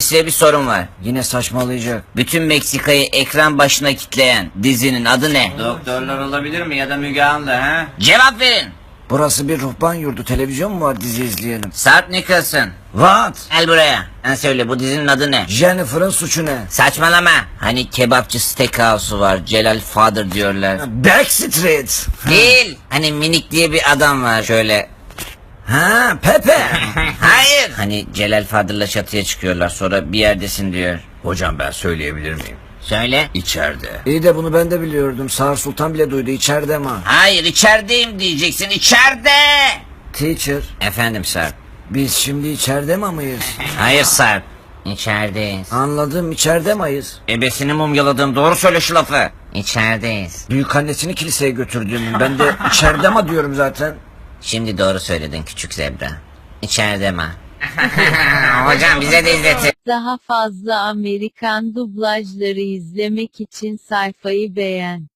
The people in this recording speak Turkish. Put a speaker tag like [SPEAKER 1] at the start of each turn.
[SPEAKER 1] Size bir sorun var. Yine saçmalayacak. Bütün Meksika'yı ekran başına kitleyen dizinin adı ne? Doktorlar olabilir mi ya da Müge Anlı ha? Cevap verin. Burası bir ruhban yurdu. Televizyon mu var, dizi izleyelim? Sarp Nicholson. What? Gel buraya. Sen söyle, bu dizinin adı ne? Jennifer'ın suçu ne? Saçmalama. Hani kebapçı steakhouse'u var. Celal Father diyorlar. Backstreet. Değil. Hani minik diye bir adam var şöyle. Ha, Pepe. Hayır. Hani Celal Fadıl'la çatıya çıkıyorlar, sonra bir yerdesin diyor.
[SPEAKER 2] Hocam ben söyleyebilir miyim?
[SPEAKER 1] Söyle.
[SPEAKER 2] İçeride.
[SPEAKER 3] İyi de bunu ben de biliyordum. Sağır Sultan bile duydu. İçeride mi?
[SPEAKER 1] Hayır, içerideyim diyeceksin, içeride.
[SPEAKER 3] Teacher,
[SPEAKER 1] Efendim Sarp.
[SPEAKER 3] biz şimdi içeride mi mıyız?
[SPEAKER 1] Hayır Sarp. İçerideyiz.
[SPEAKER 3] Anladım, içeride miyiz?
[SPEAKER 1] Ebesini mumyaladım, doğru söyle şu lafı. İçerideyiz.
[SPEAKER 3] Büyük annesini kiliseye götürdüğümün. Ben de içeride mi diyorum zaten.
[SPEAKER 1] Şimdi doğru söyledin küçük zebra. İçeride mi? Hocam bize de izletin.
[SPEAKER 4] Daha fazla Amerikan dublajları izlemek için sayfayı beğen.